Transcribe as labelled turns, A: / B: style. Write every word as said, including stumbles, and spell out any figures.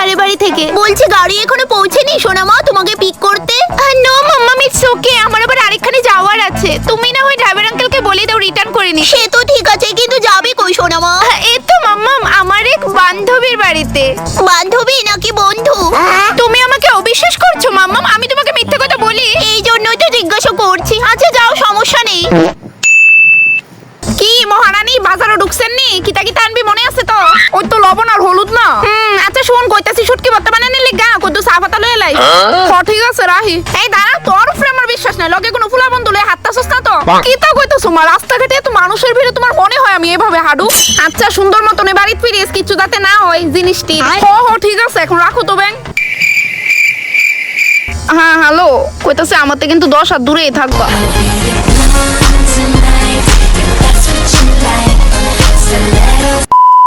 A: পাহাড়ের বাড়ি থেকে। বলছি গাড়ি এখনো পৌঁছেনি সোনামা তোমাকে পিক করতে? নো মাম্মাম, ইটস ওকে, আমার আবার আরেকখানে যাওয়ার আছে। তুমি না হয় ড্রাইভার আঙ্কেলকে বলে দাও রিটার্ন করে নি। সে তো ঠিক আছে, কিন্তু যাবে কই সোনামা? এই তো মাম্মাম, আমার এক বান্ধবীর বাড়িতে। বান্ধবী নাকি বন্ধু? তুমি আমাকে অবিশ্বাস করছো মাম্মাম? আমি তোমাকে মিথ্যা কথা বলি? এই জন্যই তো জিজ্ঞাসা করছি। আচ্ছা যাও, সমস্যা নেই। কি মহারানী, বাজারে ঢুকছেন নি? কিতা কিতা আনবি মনে আছে তো? ওই তো লবণ আর হলুদ না। হুম, আচ্ছা শোন, কইতাছি শুটকি ভর্তা বানানে লিগা কত চা পাতা লয়ে লাই। হ্যাঁ ঠিক আছে রাহি। এই দাঁড়া, তোর উপরে আমার বিশ্বাস নাই। লগে কোনো ফুলা বন্ধু লয়ে হাঁটতাছস না তো? কিতা কইতাছো মা? রাস্তাঘাটে এত মানুষের ভিড়ে তোমার মনে হয় আমি এভাবে হাঁটু? আচ্ছা সুন্দর মতন বাড়িতে ফিরিস, কিছু যাতে না হয় জিনিসটি। হ হ ঠিক আছে, এখন রাখো তো ব্যাং। হ্যাঁ হ্যালো, কইতাছে আমাতে কিন্তু দশ হাত দূরেই থাকবা।